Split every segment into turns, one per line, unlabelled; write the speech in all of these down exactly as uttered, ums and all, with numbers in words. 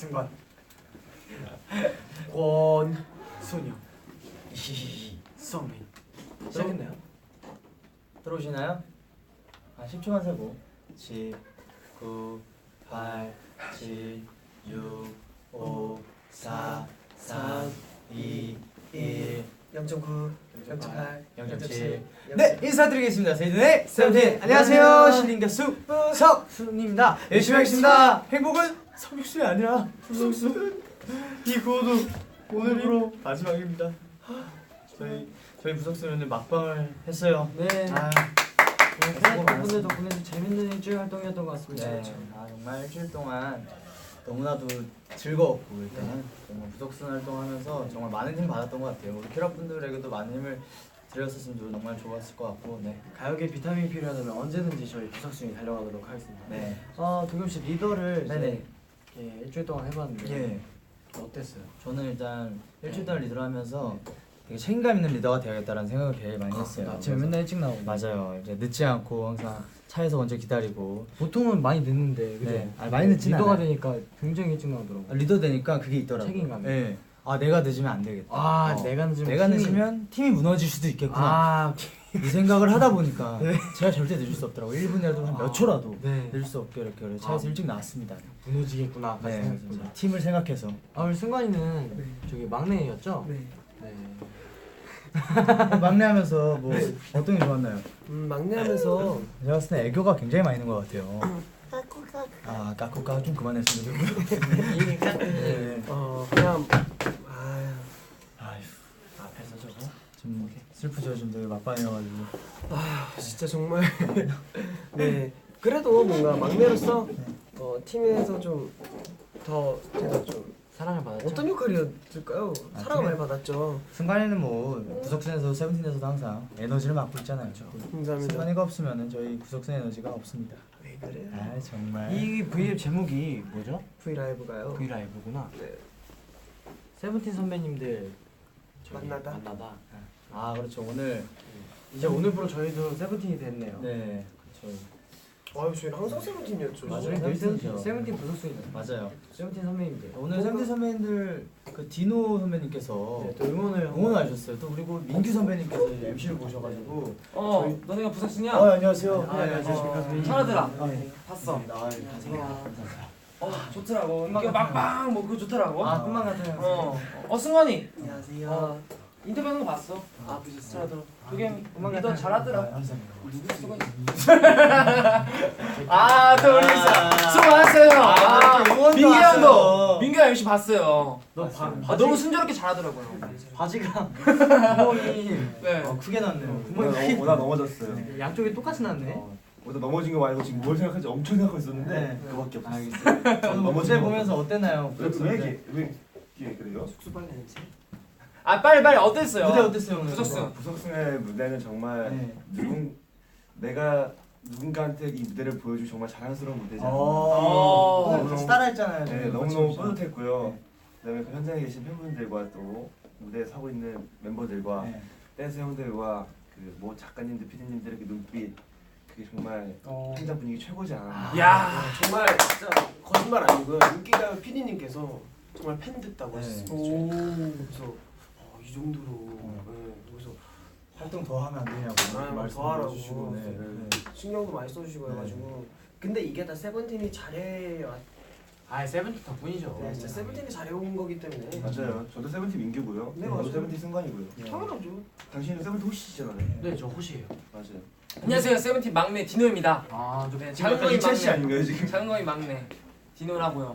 승관. 권순영. 성민. 시작했나요?
들어오시나요? 아 십 초만 세고 십, 구, 팔, 칠, 육, 오, 사, 삼, 이, 일,
영 점 구, 영 점 팔,
영 점
영 점
칠.
칠.
네, 인사드리겠습니다. 세븐의 세븐틴. 안녕하세요. 신인 가수 석순입니다. 열심히 하겠습니다. 행복은 성육수이 아니라 부석순. 이 구호도 오늘로 마지막입니다. 저희 저희 부석순 오늘 막방을 했어요.
네.
아,
팬분들 덕분에 재밌는 일주일 활동이었던 것 같습니다.
네. 아 정말 일주일 동안 너무나도 즐거웠고 일단 정말 부석순 활동하면서 정말 많은 힘 받았던 것 같아요. 우리 캐럿분들에게도 많은 힘을 드렸었으면 정말 좋았을 것 같고, 네.
가요계 비타민 필요하다면 언제든지 저희 부석순이 달려가도록 하겠습니다.
네.
아 도겸 씨 리더를
네네.
이제 예, 일주일 동안 해봤는데
예.
어땠어요?
저는 일단 일주일 동안 리더를 하면서 되게 책임감 있는 리더가 되어야겠다라는 생각을 되게 많이 했어요.
아침에 맨날 일찍 나오고.
맞아요. 이제 늦지 않고 항상 차에서 먼저 기다리고.
보통은 많이 늦는데 그죠?
네. 아, 많이 늦진
리더가
않아요.
되니까 굉장히 일찍 나오더라고.
아, 리더 되니까 그게 있더라고요.
책임감이.
네. 아 내가 늦으면 안 되겠다.
아
어,
내가 늦으면
내가
팀이-
늦으면 팀이 무너질 수도 있겠구나.
아
이 생각을 하다 보니까
네.
제가 절대 늦을 수 없더라고. 일 분이라도 한 몇
아,
초라도
네.
늦을 수 없게 이렇게 그래서 차에서
아.
일찍 나왔습니다.
무너지겠구나.
네.
생각했구나.
그래서 팀을 생각해서.
아 우리 승관이는
네.
저기 막내였죠?
네.
네.
막내하면서 뭐 어떤 게 좋았나요?
음, 막내하면서
제가 봤을 때 애교가 굉장히 많이 있는 것 같아요. 아 까꾸까 좀 그만했으면 좋겠고요. 네.
어 그냥 아유
아휴 앞에서 저거 좀 슬프죠. 좀 되게 막판이어가지고.
아 진짜 정말 네 그래도 뭔가 막내로서 어, 팀에서 좀 더 제가 좀
사랑을 받았죠?
어떤 역할이었을까요?
아,
사랑을 많이
팀에-
받았죠.
승관이는 뭐 구석순에서 세븐틴에서도 항상 에너지를 맡고 있잖아요.
감사합니다.
승관이가 없으면은 저희 구석순 에너지가 없습니다.
왜 그래?
아 정말.
이 브이앱 제목이 뭐죠?
V 라이브가요.
브이라이브구나.
네.
세븐틴 선배님들 저기
만나다.
만나다.
아 그렇죠. 오늘
이제 오늘부로 저희도 세븐틴이 됐네요.
네 그렇죠.
아유 저희는 항상 세븐틴이었죠.
맞아요.
저희 늘
세븐틴이죠.
세븐틴, 세븐틴 부석순이죠.
맞아요.
세븐틴 선배님들.
오늘 세븐틴 선배님들 그 디노 선배님께서
네, 또 응원을
응원을 해주셨어요. 또 그리고 민규 선배님께서 엠시를 보셔가지고.
어,
저희-
너네가 부석순이야?
어 안녕하세요.
아, 네, 안녕하십니까.
어,
차라들아.
아, 네.
봤어.
아, 감사합니다.
어, 좋더라고.
음악
이거
같아요.
막방 뭐 그거 좋더라고.
아,
꿈만 같아요.
어, 어 승관이.
안녕하세요.
어, 인터뷰하는 거 봤어.
아 보셨어요?
차라들아. 도겸
음악
리더
같아요.
잘하더라.
감사합니다.
아, 또 우리
아,
수고 많았어요.
아,
아,
이렇게 응원도
민규 형도
왔어요.
민규 형 엠씨 봤어요.
너
봤어요.
바,
아, 너무 순조롭게 잘하더라고요.
바지가 구멍이
네.
어, 크게 났네요.
구멍이 크게
오다 넘어졌어요.
양쪽이 똑같이 났네.
어, 오다 넘어진 거 말고 지금 뭘 생각하지 엄청 생각하고 있었는데
네.
그거밖에 없었어.
알겠어요. 저는 뭐 무대
넘어진 거.
보면서 어땠나요?
왜, 왜 이렇게 왜 이렇게 그래요?
숙소빨래 냄새.
아, 빨리 빨리 어땠어요?
무대 어땠어요 오늘?
부석순.
부석순의 무대는 정말
네.
누군 내가 누군가한테 이 무대를 보여줄 정말 자랑스러운 무대잖아요.
어,
어.
오늘 같이 따라했잖아요.
네,
저희
너무너무
같이.
뿌듯했고요.
네.
그다음에 그 현장에 계신 팬분들과 또 무대에 서고 있는 멤버들과
네.
댄스 형들과 그 뭐 작가님들, 피디님들의 그 눈빛 그게 정말
어.
현장 분위기 최고지 않았나.
야.
아, 정말 진짜 거짓말 아니고요. 인기가요 피디님께서 정말 팬 됐다고
네.
하셨습니다.
오.
그래서 어, 이 정도로
어.
네, 그래서
활동 더 하면 안 되냐고
아,
말씀
더 하라고.
해주시고. 네. 네.
신경도 많이 써주시고
네.
해가지고 근데 이게 다 세븐틴이 잘해요.
아 세븐틴 덕분이죠.
네, 진짜 세븐틴이 잘해온 거기 때문에
맞아요. 저도 세븐틴 민규고요.
네,
저도
맞아요.
세븐틴 승관이고요.
네.
당연하죠.
당신은 세븐틴 호시잖아요.
네, 저 호시예요.
맞아요.
안녕하세요. 세븐틴 막내 디노입니다.
아, 저
네,
지금 약간
장거리
이철 씨
막내.
아닌가요 지금?
장거리 막내. 디노라고요.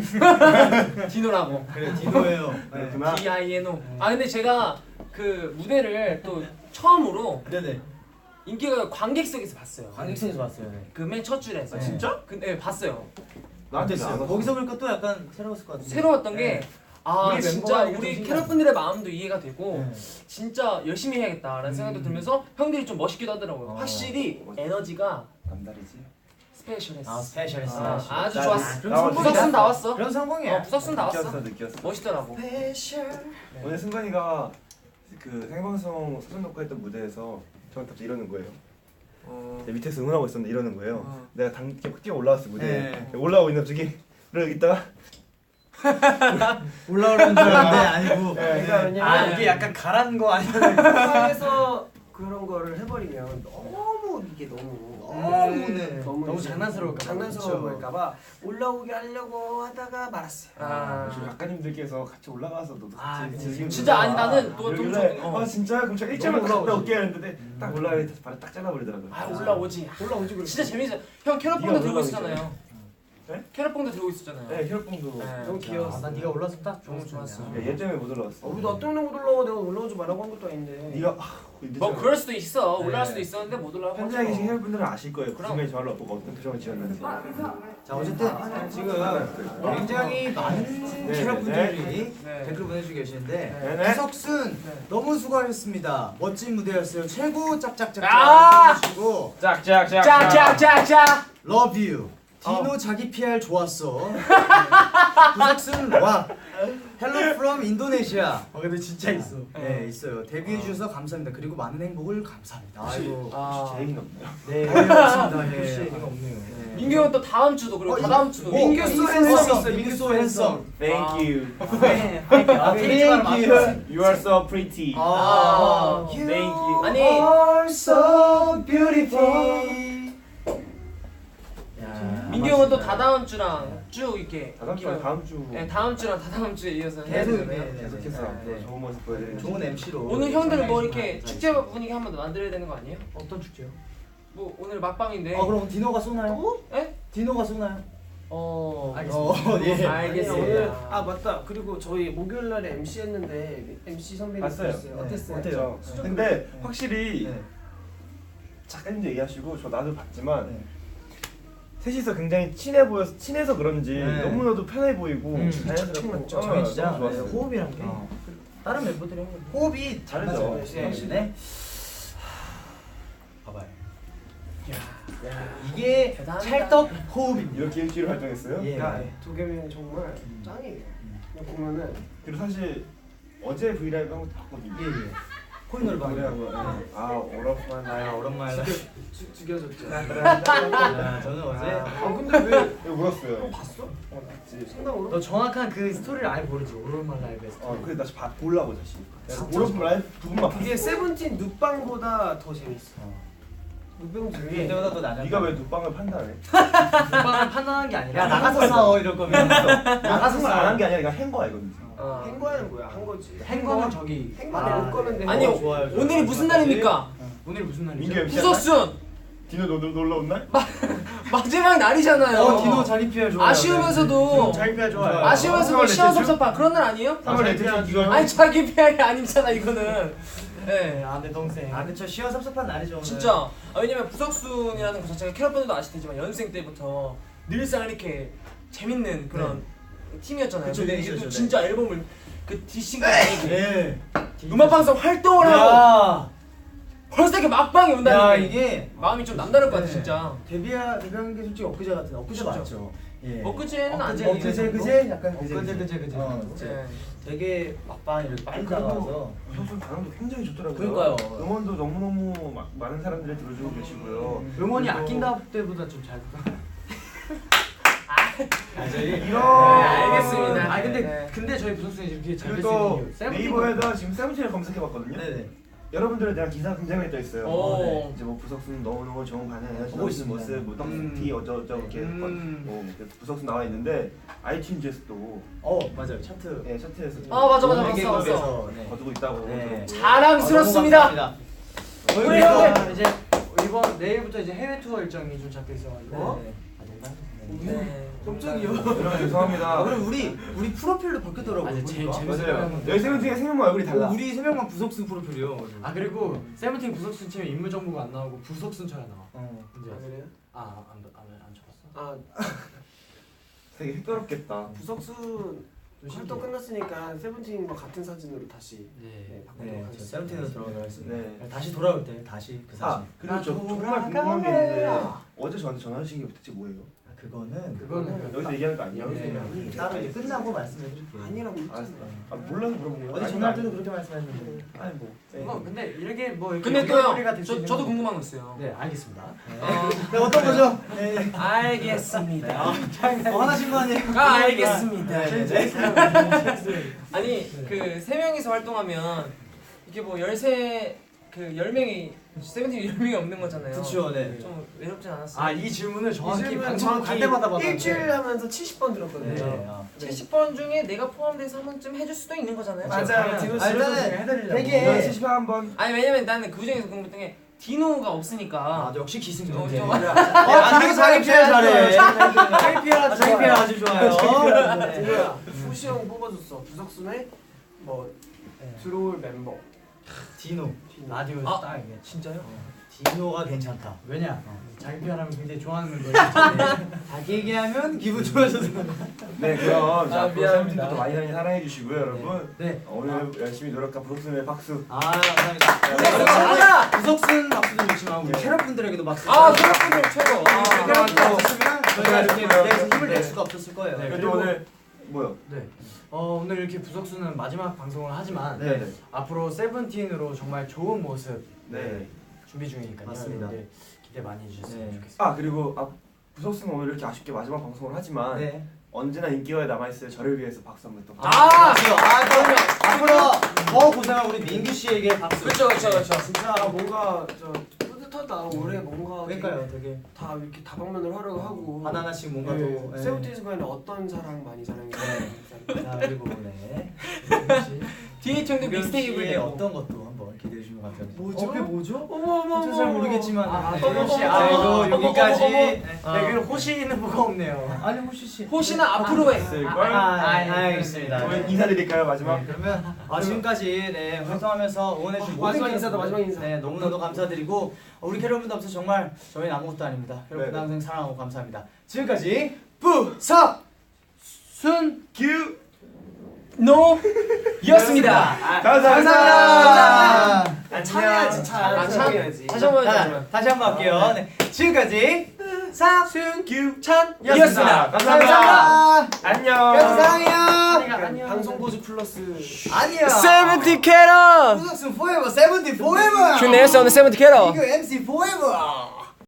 디노라고.
그래 디노예요. 네.
그렇구나.
D I N O. 아 근데 제가 그 무대를 또 처음으로
네네.
인기가 관객석에서 봤어요.
관객석에서 봤어요. 네.
그 맨 첫 줄에서.
아, 진짜?
근데 봤어요.
나한테
어땠어요?
안
거기서 보니까 또 약간 새로웠을 것 같은데.
새로웠던 게 아
우리
진짜
멤버가
우리
좀
캐럿분들의 마음도 이해가 되고
네.
진짜 열심히 해야겠다라는
음.
생각도 들면서 형들이 좀 멋있기도 하더라고요.
어.
확실히 에너지가
남다르지.
스페셜했어.
아 스페셜했어.
아, 아주
나-
좋았어.
그럼 성공이다.
부석순 다 왔어.
그런 성공이야.
어, 부석순 다
느꼈어
왔어.
느꼈어.
멋있더라고.
스페셜.
오늘 승관이가 그 생방송 수전 녹화했던 무대에서 저한테 갑자기 이러는 거예요.
어.
내 밑에서 응원하고 있었는데 이러는 거예요.
어.
내가 당 뛰어 올라왔어 무대에.
네.
올라오고 있는 갑자기 이러고 있다가
올라오는 줄 알았는데 아니고.
그러니까 왜냐면
아 이게 약간 가란 거 아니야?
세상에서 그런 거를 해버리면 너무 이게 너무
너무네.
너무,
너무
이제
장난스러울까 봐.
장난스러워
그쵸.
보일까봐 올라오게 하려고 하다가 말았어요.
아.
저 작가님들께서 같이 올라가서 너도
아,
같이
그치.
즐기고
진짜 아니
있다.
나는 또 좀
그러길래
어.
아 진짜 그럼 제가 일절만
너무
갔다
올라오지.
올게 했는데 딱 올라가서 발을 딱 잘라버리더라고요.
아 올라오지.
올라오지 그래.
진짜 재밌어. 형 캐럿봉도
네가
들고
올라가고
있었잖아요.
네?
캐럿봉도 들고 있었잖아요.
네 혈봉도.
네.
너무 귀여웠어.
아, 난 네가 올라서 딱
너무 좋았어.
네, 얘 때문에 못 올라갔어.
어, 나 때문에 못 올라와. 내가 올라오지 말라고 한 것도 아닌데.
네가 아,
뭐 그럴 수도 있어.
네.
올라갈 수도 있었는데 못 올라간 거죠.
현장에 계신 혈분들은 아실 거예요. 그
그럼.
순간에 저를 보고 어떤 표정을 지었는지.
자 어쨌든 지금 굉장히 많은
네,
캐럿분들이
네.
댓글 보내주고 계시는데
네네.
구석순
네.
너무 수고하셨습니다. 멋진 무대였어요. 최고 짝짝짝짝
아!
해주시고
짝짝짝.
짝짝짝짝.
Love you. 디노 자기 피알 좋았어. 구석순 와. Hello from 인도네시아. 어 근데 진짜 있어. 네 있어요. 데뷔해 주셔서 감사합니다. 그리고 많은 행복을 감사합니다. 아이고.
아.
제 얘기는 없네요.
네 고맙습니다. 네.
글씨 얘기가 없네요.
네.
민규 형은 또 다음 주도 그리고
어,
다다음 주도.
어,
민규
민규
소
소
핸섬
핸섬.
있어,
민규 소 핸섬.
Thank you.
네. 아,
Thank you. You are so pretty.
아,
Thank you.
아니.
are so beautiful. 야,
민규 형은 또 다다음 주랑 쭉 이렇게.
다음 주 다음 주
네 다음 주랑 다다음 주에 이어서 해야
계속,
되는데요.
네, 네.
계속해서
네.
좋은 모습 보여드리는
좋은 엠시로
오늘 형들 뭐 이렇게 축제 분위기 한 번 더 만들어야 되는 거 아니에요?
어떤 축제요?
뭐 오늘 막방인데.
아 그럼 디노가 쏘나요?
에?
디노가 쏘나요?
어.
알겠습니다. 어, 예.
알겠습니다.
오늘 아 맞다. 그리고 저희 목요일 날에 엠씨 했는데 엠씨 선배님
봤어요.
봤어요.
네.
어땠어요?
어때요?
그렇죠. 근데 확실히
네.
작가님도 얘기하시고 저 나도 봤지만
네.
셋이서 굉장히 친해 보여서 친해서 그런지
네.
너무나도 편해 보이고
음.
자연스럽고
맞죠.
어,
저희 진짜
너무 좋았어요.
네, 호흡이란 게
어.
다른 멤버들이랑 호흡이 잘
다르죠.
맞아요.
네.
확실히. 봐봐요.
야.
이게
대단하다.
찰떡 호흡입니다.
이렇게 일주일 활동했어요.
예.
야, 도겸이 정말
음.
짱이에요. 그냥 보면은
그리고 사실 어제 브이라이브 한 것도 봤거든요.
예 예. 코인 노래방
노래한 거. 아 오랜만에
아 오랜만에.
죽- 죽여줬죠.
아, 저는 어제.
아 근데 왜
왜 울었어요?
봤어?
어, 봤지.
상당으로?
너 정확한 그 스토리를 아예 모르지. 오랜만 라이브에서.
어 그래 다시 봐 보려고 다시.
진짜
오랜만 라이브 부분만 봤어.
이게 세븐틴 눕방보다 더 재밌어. 눕방 중에
그때보다 더 나가.
네가 왜 눕방을 판단해?
눕방을 판단한 게 아니라. 야 나가서 싸워 이럴 거면.
나가서 말안 게 아니라 이거 한 거야 이건.
어.
행거하는 거야, 한 거지.
행거는 저기.
행거는
아,
올 거는데.
아니
어, 좋아요, 좋아요.
오늘이 무슨 날입니까?
오늘 무슨 날이죠?
민규 엠씨
구석순
디노 너 놀러 온 날?
마지막 날이잖아요.
어 디노 자기 피알 좋아요.
아쉬우면서도
자기 피알 좋아요.
아쉬우면서도
삼월
시원
넷째 주?
섭섭한 그런 날 아니에요?
삼월 넷째 주 이거
아니 자기 피할이 아니잖아 이거는. 네.
아내 동생. 아 근데 저 시원 섭섭한 날이죠 오늘.
진짜 아, 왜냐면 부석순이라는 것 자체가 캐럿분들도 아시겠지만 연생 때부터 늘상 이렇게 재밌는 그런 팀이었잖아요.
그쵸,
근데 이게
그쵸,
또
네.
진짜 앨범을 그 디싱까지
예.
음악 방송 활동을 하고
야.
벌써 이렇게 막방이
야
온다는 게
이게
마음이 좀 남다를 것 같아
네.
진짜.
데뷔하 데뷔한 게 솔직히 엊그제 같은 엊그제
진짜.
맞죠? 예.
엊그제는
엊그제
아니에요.
엊그제 그제 약간 그제
엊그제, 그제, 그제.
어,
네.
되게 막방 이렇게 빨리
그리고
나와서
형수 반응도 굉장히 좋더라고요.
그러니까요.
응원도 너무너무 막 많은 사람들이 들어주고 계시고요.
응원이
그리고
아낀다 때보다 좀 잘. 아 저희
이런
네, 알겠습니다.
아 근데
네.
근데 저희 부석순이 이렇게 잘
그리고
될수
또
있는 이유. 세븐틴
네이버에다 지금 세븐틴을 검색해봤거든요.
네네.
여러분들에 대한 기사가 굉장히 많이 떠 있어요.
오.
네. 이제 뭐 부석순 너무너무 좋은 반응을
보고
해주는
있습니다.
모습, 뭐 떡스티 어쩌저쩌 이렇게
음.
뭐 이렇게 부석순 나와 있는데 아이튠즈에서 또
어 맞아요 차트.
예, 차트에서
아, 맞아, 맞아,
좋은
봤어,
계급에서,
봤어.
네.
거두고 있다고
네.
들었고요.
자랑스럽습니다.
우리
우리
형 이제 이번 내일부터 이제 해외 투어 일정이 좀 잡혀 있어가지고.
네.
아 농담.
네.
깜짝이야.
여러분 죄송합니다.
아 그럼 우리 우리 프로필도 바뀌었더라고요.
아, 제-
보니까.
재밌어요.
맞아요. 여기 세븐틴의 세 명만 얼굴이 달라.
우리 세 명만 부석순 프로필이요.
아 그리고
세븐틴 부석순 치면 인물 정보가 안 나오고 부석순처럼 나와.
어
이제
아, 그래요?
아안안 안 적었어?
아
되게 색다롭겠다.
부석순 활동 끝났으니까 세븐틴과 같은 사진으로 다시 네,
네.
바꾸도록
네, 저
하겠습니다.
세븐틴으로 들어가도록 하겠습니다.
네.
다시 돌아올 때 다시 그 사진.
아 그리고 저
나
정말 궁금한 게 있는데 어제 저한테 전화 주신 게 도대체 뭐예요?
아, 그거는
그거는
여기서 얘기하는 거 아니에요?
네, 따로 이제 끝나고 말씀해드릴게요.
아니라고
알았어. 아 몰라서 물어본 거야.
어제 전화할 때도 그렇게 말씀하셨는데.
아니 뭐.
어, 근데 이렇게 뭐 이렇게
근데
연결고리가
또요
될수
저,
있는
저도
건-
궁금한 거 있어요.
네 알겠습니다.
어,
네, 어떤 거죠? 네.
알겠습니다.
어, 화나신 거 아니에요?
아 알겠습니다.
네, 네.
아니 그 세 명이서 활동하면 이게 뭐 열세 그 열 명이 세븐틴 열 명이 없는 거잖아요.
그쵸, 네.
좀 외롭진 않았어요.
아 이 질문을 정확히
질문은
방송
정확히
갈 때마다 받았는데
일주일 하면서 칠십 번 들었거든요.
네. 어.
칠십 번 중에 내가 포함돼서 한 번쯤 해줄 수도 있는 거잖아요.
맞아요. 디노
아,
씨
일단은
해드리려고.
되게
칠십 한번
아니 왜냐면 나는 그 중에서 궁금했던 게 디노가 없으니까.
아, 역시 기승전.
어,
네.
좀-
아, 되게 자기 피해 잘해.
자기 피해라
자기 피해 아주 좋아요.
디노야 후시 형 뽑아줬어. 부석순의 뭐 들어올 멤버.
디노.
라디오
아.
딱 이게
진짜요?
디노가 괜찮다.
왜냐 자기 피해라면 굉장히 좋아하는 멤버예요.
자기 얘기하면 기분 좋아져서.
네 그럼 자
아,
앞으로
미안합니다.
세븐틴도 많이 많이 사랑해 주시고요 여러분.
네.
오늘 열심히 노력한 부석순의 박수.
아, 감사합니다.
네,
그리고
감사합니다.
구석순 박수도 좋지만 우리
네.
캐럿분들에게도 박수.
아 캐럿분들 최고.
우리
아,
캐럿분들
또
없었으면 저희가 이렇게
고생하셨고요.
무대에서 힘을 낼
네.
수가 없었을 거예요.
네,
그리고
그리고-
오늘 뭐요?
네. 어 오늘 이렇게 부석수는 마지막 방송을 하지만
네.
앞으로 세븐틴으로 정말 좋은 모습
네.
준비 중이니까요.
맞습니다.
여러분들 기대 많이 해주셨으면
네.
좋겠습니다.
아 그리고 아 부석순은 오늘 이렇게 아쉽게 마지막 방송을 하지만
네.
언제나 인기가에 남아있을 저를 위해서 박수 한번 또.
아,
박수. 아, 그러면 앞으로 더 고생한 우리 민규 씨에게 박수.
그렇죠 그렇죠 그렇죠.
진짜 뭔가 저 뿌듯하다. 올해 뭔가
그러니까요, 되게
다 이렇게 다방면을 하려고 하고
하나 하나씩 뭔가
네.
또. 네.
세븐틴스관에 어떤 사랑 많이 사랑해 주세요.
자, 그리고 네.
디에이치 형도 믹스테이프를
씨의
내고.
어떤 것도 한번 기대해 주시면 감사합니다.
뭐죠? 그게 뭐죠?
어머 어머
저잘 모르겠지만
아,
네.
호시 씨,
어머,
아 이거
어머,
여기까지.
어머, 어머, 어머.
네, 그리고 호시는 뭐가 없네요.
아니 호시 씨.
호시는 앞으로 해.
있을걸?
아, 아, 알겠습니다.
그러면 인사드릴까요 마지막?
네, 그러면 아, 지금까지 네, 활동하면서 응원해주신 모든
마지막
캐럿-
인사다, 마지막 인사.
네, 너무나도 감사드리고 어, 우리 캐럿분들 없어서 정말 저희는 아무것도 아닙니다. 캐럿분들
네네.
항상 사랑하고 감사합니다. 지금까지 부석 순
큐!
노 였습니다.
감사합니다.
감사합니다.
아, 참여해야지 참.
아, 참.
해야지.
다시 한번
자,
해주세요.
다시 한번 할게요. 네, 지금까지 사순
큐!
찬이었습니다.
감사합니다.
감사합니다.
안녕.
캐럿 사랑해요.
안녕. 방송 보조 플러스.
아니요.
세븐틴 캐럿.
부석순 forever, 세븐틴 forever.
큐네스 on the 세븐틴 캐럿.
이거 엠씨 forever.